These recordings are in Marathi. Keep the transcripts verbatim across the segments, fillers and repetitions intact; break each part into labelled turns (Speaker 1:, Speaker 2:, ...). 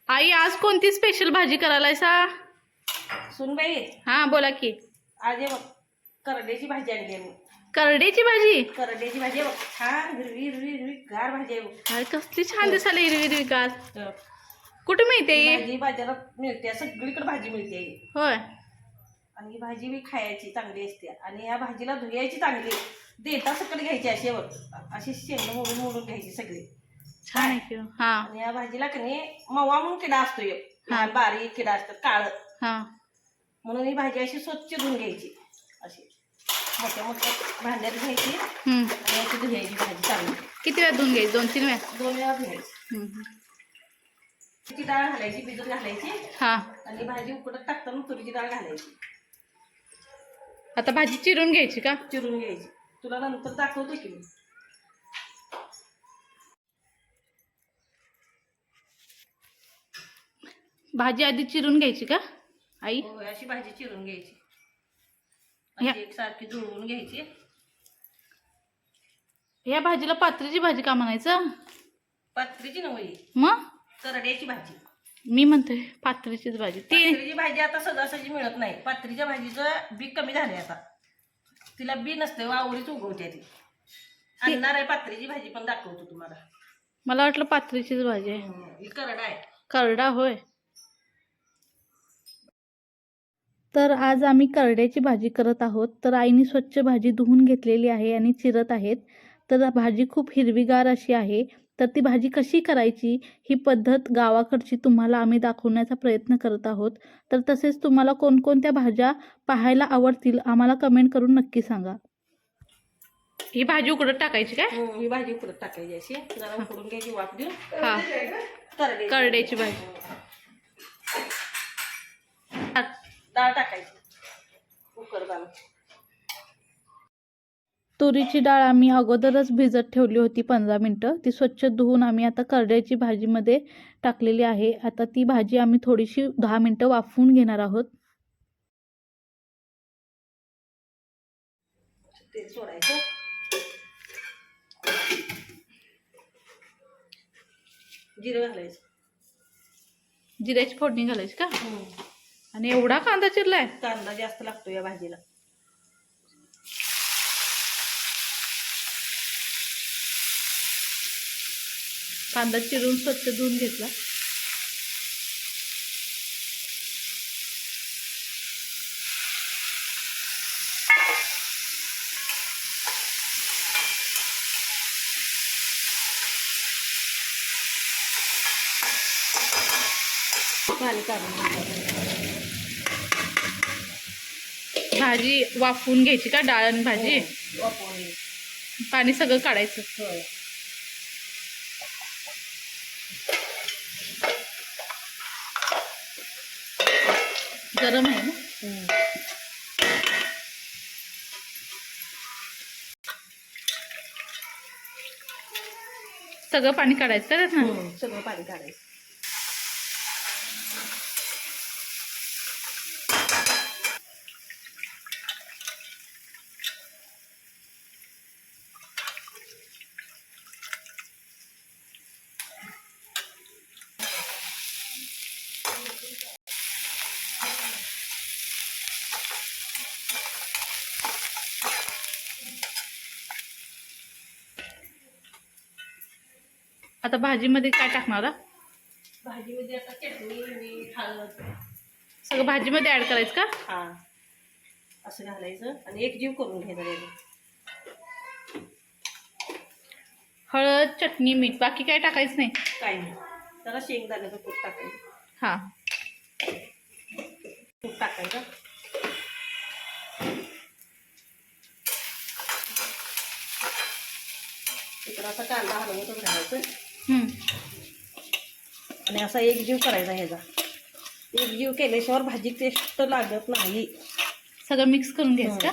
Speaker 1: आई आज कोणती स्पेशल भाजी करायलाय सा?
Speaker 2: सुनबाई
Speaker 1: हा बोला की.
Speaker 2: आज हे बघ करड्याची भाजी आणली आहे मी.
Speaker 1: करड्याची भाजी?
Speaker 2: करड्याची भाजी आहे बघ, छान हिरवी हिरवी हिरवी गार भाजी आहे बघ.
Speaker 1: अरे कसली छान दिसायला हिरवी हिरवी गार.
Speaker 2: तर
Speaker 1: कुठे मिळते
Speaker 2: ही
Speaker 1: ही?
Speaker 2: भाजी बाजारात मिळते, सगळीकडे भाजी मिळते ही.
Speaker 1: होय.
Speaker 2: आणि ही भाजी मी खायची चांगली असते आणि या भाजीला धुयायची चांगली, देता सकट घ्यायची अशी बघ, अशी शेंग मोडून मोडून घ्यायची सगळी.
Speaker 1: छान आहे की. हा
Speaker 2: आणि या भाजीला कणी मवा म्हणून किडा असतो एक, लहान बारीक किडा असतात काळ,
Speaker 1: हा
Speaker 2: म्हणून ही भाजी अशी स्वच्छ धुवून घ्यायची. अशी मोठ्या मोठ्या भांड्यात घ्यायची
Speaker 1: हम्म.
Speaker 2: आणि अशी धुयायची भाजी चांगली.
Speaker 1: किती वेळा धुवून घ्यायची? दोन तीन वेळा?
Speaker 2: दोन वेळा धुयायची.
Speaker 1: हम्म.
Speaker 2: तुरीची डाळ घालायची, भिजत घालायची
Speaker 1: हा
Speaker 2: आणि भाजी उकडत टाकताना तुरीची डाळ घालायची.
Speaker 1: आता भाजी चिरून घ्यायची का?
Speaker 2: चिरून घ्यायची, तुला नंतर दाखवतो की मी.
Speaker 1: भाजी आधी चिरून घ्यायची का आई?
Speaker 2: होय, अशी भाजी चिरून घ्यायची,
Speaker 1: ह्या-
Speaker 2: अशी एकसारखी जुळवून घ्यायची.
Speaker 1: या भाजीला पात्रीची भाजी का म्हणायचं?
Speaker 2: पात्रीची नव्हे,
Speaker 1: मग
Speaker 2: करड्याची भाजी.
Speaker 1: मी म्हणते पात्रीचीच भाजी. ती
Speaker 2: पात्रीची भाजी आता सहजासहजी मिळत नाही. पात्रीच्या भाजीचं बी कमी झाले आता, तिला बी नसते, वावरीच उगवते ती. आणणार आहे पात्रीची भाजी, पण दाखवतो तुम्हाला.
Speaker 1: मला वाटलं पात्रीचीच भाजी आहे.
Speaker 2: ही करडा आहे.
Speaker 1: करडा होय. तर आज आम्ही करड्याची भाजी करत आहोत. तर आईने स्वच्छ भाजी धुवून घेतलेली आहे आणि चिरत आहेत. तर भाजी खूप हिरवीगार अशी आहे. तर ती भाजी कशी करायची ही पद्धत गावाकडची तुम्हाला आम्ही दाखवण्याचा प्रयत्न करत आहोत. तर तसेच तुम्हाला कोणकोणत्या भाज्या पाहायला आवडतील आम्हाला कमेंट करून नक्की सांगा. ही भाजी उकडत टाकायची काय?
Speaker 2: ही भाजी उकडत टाकायची, अशी जरा उकडून घ्यायची, वाफ देऊन.
Speaker 1: हा
Speaker 2: करडे
Speaker 1: करड्याची भाजी.
Speaker 2: डाळ टाकायची कुकर घालून.
Speaker 1: तुरीची डाळ आम्ही अगोदरच भिजत ठेवली होती पंधरा मिनटं. ती स्वच्छ धुवून आम्ही आता करड्याची भाजीमध्ये टाकलेली आहे. आता ती भाजी आम्ही थोडीशी दहा मिनटं वाफवून घेणार आहोत.
Speaker 2: तेल सोडायचं, जिरं घालायचं.
Speaker 1: जिऱ्याची फोडणी घालायची का? आणि एवढा कांदा चिरलाय?
Speaker 2: कांदा जास्त लागतो या भाजीला.
Speaker 1: कांदा चिरून स्वच्छ धुवून घेतला.
Speaker 2: पाणी काढून
Speaker 1: भाजी वाफवून घ्यायची का? डाळ आणि भाजी
Speaker 2: वापरून घ्यायची.
Speaker 1: पाणी सगळं काढायचं.
Speaker 2: होय.
Speaker 1: गरम आहे ना? सगळं पाणी काढायचं का त्यातनं?
Speaker 2: सगळं पाणी काढायचं.
Speaker 1: आता भाजीमध्ये काय टाकणार?
Speaker 2: भाजीमध्ये आता चटणी, मीठ, हळद
Speaker 1: सगळं भाजीमध्ये ऍड करायचं का?
Speaker 2: हा, असं घालायचं आणि एकजीव करून घ्यायचं.
Speaker 1: हळद, चटणी, मीठ, बाकी काय टाकायचं नाही?
Speaker 2: काही नाही, जरा शेंगदाण्याचं कूट टाकायचं.
Speaker 1: हा
Speaker 2: तूप टाकायचं. इकडं असा कांदा हलवतच घालायचं
Speaker 1: हम्म.
Speaker 2: आणि असा एकजीव करायचा ह्याचा. एकजीव केल्याशिवाय भाजी टेस्ट लागत नाही.
Speaker 1: सगळं मिक्स करून घ्यायचं का?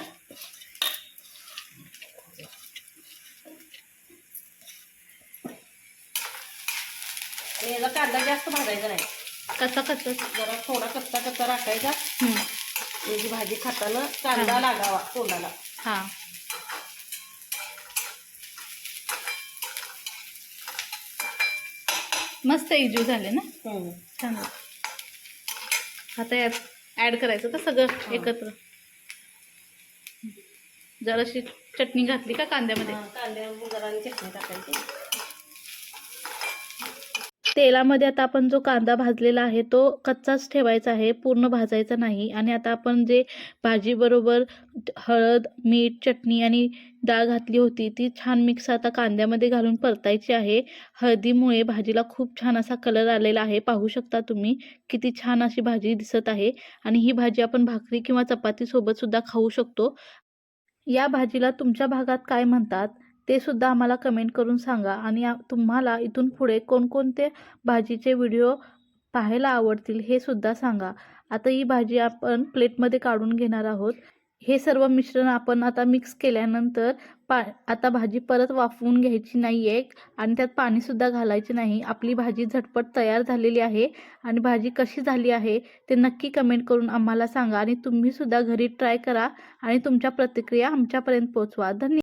Speaker 2: आणि याचा कांदा जास्त भाजायचा नाही,
Speaker 1: कच्चा कच्चा.
Speaker 2: जरा थोडा कच्चा कच्चा राखायचा.
Speaker 1: हम्म.
Speaker 2: याची भाजी खाताना कांदा लागावा तोंडाला.
Speaker 1: हा मस्त एकजीव झाले ना,
Speaker 2: हम्म.
Speaker 1: छान. आता यात ऍड करायचं का सगळं एकत्र. जराशी चटणी घातली का कांद्यामध्ये.
Speaker 2: हा, कांद्यावर जरा आणि चटणी टाकायची.
Speaker 1: तेलामध्ये आता आपण जो कांदा भाजलेला आहे तो कच्चाच ठेवायचा आहे, पूर्ण भाजायचा नाही. आणि आता आपण जे भाजीबरोबर हळद, मीठ, चटणी आणि डाळ घातली होती ती छान मिक्स आता कांद्यामध्ये घालून परतायची आहे. हळदीमुळे भाजीला खूप छान असा कलर आलेला आहे. पाहू शकता तुम्ही किती छान अशी भाजी दिसत आहे. आणि ही भाजी आपण भाकरी किंवा चपातीसोबत सुद्धा खाऊ शकतो. या भाजीला तुमच्या भागात काय म्हणतात ते सुद्धा आम्हाला कमेंट करून सांगा. आणि आ- तुम्हाला इथून पुढे कोणकोणते भाजीचे व्हिडिओ पाहायला आवडतील हे सुद्धा सांगा. आता ही भाजी आपण प्लेटमध्ये काढून घेणार आहोत. हे सर्व मिश्रण आपण आता मिक्स केल्यानंतर पा आता भाजी परत वाफवून घ्यायची नाही आहे आणि त्यात पाणीसुद्धा घालायचे नाही. आपली भाजी झटपट तयार झालेली आहे. आणि भाजी कशी झाली आहे ते नक्की कमेंट करून आम्हाला सांगा. आणि तुम्हीसुद्धा घरी ट्राय करा आणि तुमच्या प्रतिक्रिया आमच्यापर्यंत पोहोचवा. धन्यवाद.